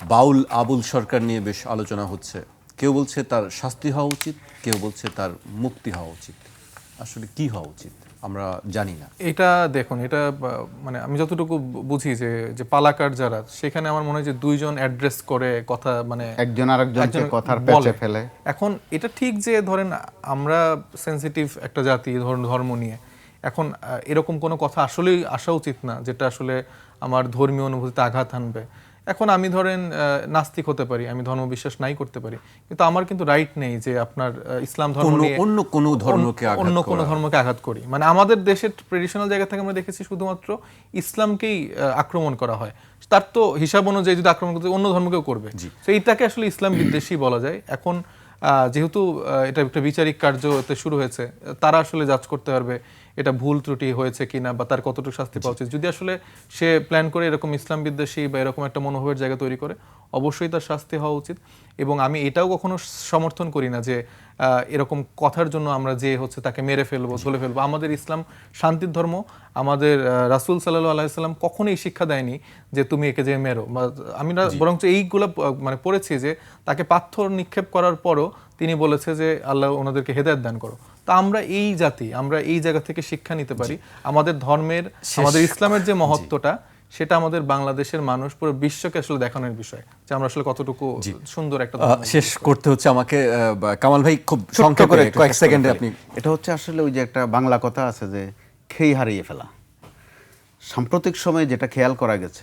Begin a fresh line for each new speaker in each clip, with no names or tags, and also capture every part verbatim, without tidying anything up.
বাউল আবুল সরকার নিয়ে বেশ আলোচনা হচ্ছে। কেউ বলছে তার শাস্তি হওয়া উচিত, কেউ বলছে তার মুক্তি হওয়া উচিত। আসলে কি হওয়া উচিত আমরা জানি না।
এটা দেখুন, এটা মানে আমি যতটুকু বুঝি যে যে পালাকার যারা, সেখানে আমার মনে হয় যে দুইজন অ্যাড্রেস করে কথা, মানে
একজন আরেকজনকে কথার পেঁচে ফেলে।
এখন এটা ঠিক যে ধরেন আমরা সেনসিটিভ একটা জাতি ধরুন ধর্ম নিয়ে, এখন এরকম কোনো কথা আসলেই আসা উচিত না যেটা আসলে আমার ধর্মীয় অনুভূতিতে আঘাত আনবে। এখন আমি ধরেন নাস্তিক হতে পারি, আমি ধর্ম বিশ্বাস নাই করতে পারি, কিন্তু আমার কিন্তু রাইট নেই যে আপনার ইসলাম ধর্ম নিয়ে
অন্য কোনো ধর্মকে
অন্য কোনো ধর্মকে আঘাত করি। মানে আমাদের দেশের ট্রেডিশনাল জায়গা থেকে আমরা দেখেছি শুধুমাত্র ইসলামকেই আক্রমণ করা হয়। তার তো হিসাব অনুযায়ী যদি আক্রমণ করতে অন্য ধর্মকেও করবে, তো এইটাকে আসলে ইসলাম বিদ্বেষী বলা যায়। এখন যেহেতু এটা একটা বিচারিক কার্য এতে শুরু হয়েছে, তারা আসলে জাজ করতে পারবে এটা ভুল ত্রুটি হয়েছে কিনা বা তার কতটুকু শাস্তি পাওয়া উচিত। যদি আসলে সে প্ল্যান করে এরকম ইসলাম বিদ্বেষী বা এরকম একটা মনোভাবের জায়গা তৈরি করে, অবশ্যই তার শাস্তি হওয়া উচিত। এবং আমি এটাও কখনো সমর্থন করি না যে এরকম কথার জন্য আমরা যে হচ্ছে তাকে মেরে ফেলবো, ধরে ফেলবো। আমাদের ইসলাম শান্তির ধর্ম। আমাদের রাসূল সাল্লাল্লাহু আলাইহি ওয়াসাল্লাম কখনোই শিক্ষা দেয়নি যে তুমি একে যে মেরো। আমি বরঞ্চ এইগুলো মানে পড়েছি যে তাকে পাথর নিক্ষেপ করার পরও তিনি বলেছে যে আল্লাহ ওনাদেরকে হেদায়েত দান করো। তা আমরা এই জাতি, আমরা এই জায়গা থেকে শিক্ষা নিতে পারি। আমাদের ধর্মের, আমাদের ইসলামের যে মহত্বটা, সেটা আমাদের বাংলাদেশের মানুষ পুরো বিশ্বকে আসলে দেখানোর বিষয় যে আমরা আসলে কতটুকু সুন্দর একটা।
শেষ করতে হচ্ছে আমাকে, কামাল ভাই খুব সংক্ষেপে করে কয়েক সেকেন্ডে আপনি।
এটা হচ্ছে আসলে ওই যে একটা বাংলা কথা আছে যে খেই হারিয়ে ফেলা। সাম্প্রতিক সময়ে যেটা খেয়াল করা গেছে,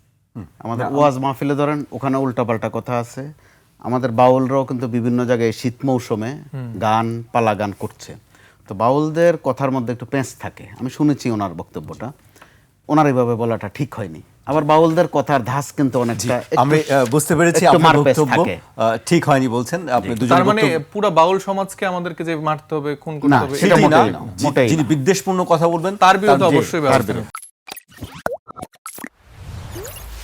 আমাদের ওয়াজ মাহফিলে ধরেন ওখানে উল্টাপাল্টা কথা আছে। আমাদের বাউলরাও কিন্তু বিভিন্ন জায়গায় শীত মৌসুমে গান, পালা গান করছে। তো বাউলদের কথার মধ্যে একটু পেঁচ থাকে। আমি শুনেছি ওনার বক্তব্যটা, ওনার এইভাবে বলাটা ঠিক হয়নি। আবার বাউলদের কথার ধাস কিন্তু অনেকটা,
আমি বুঝতে পেরেছি আপনার বক্তব্য ঠিক হয়নি বলছেন আপনি দুজন।
তার মানে পুরো বাউল সমাজকে আমাদেরকে যে মারতে হবে, খুন করতে হবে,
সেটা মোটেই না। যিনি বিদ্বেষপূর্ণ কথা বলবেন
তার বিরুদ্ধে অবশ্যই ব্যবস্থা।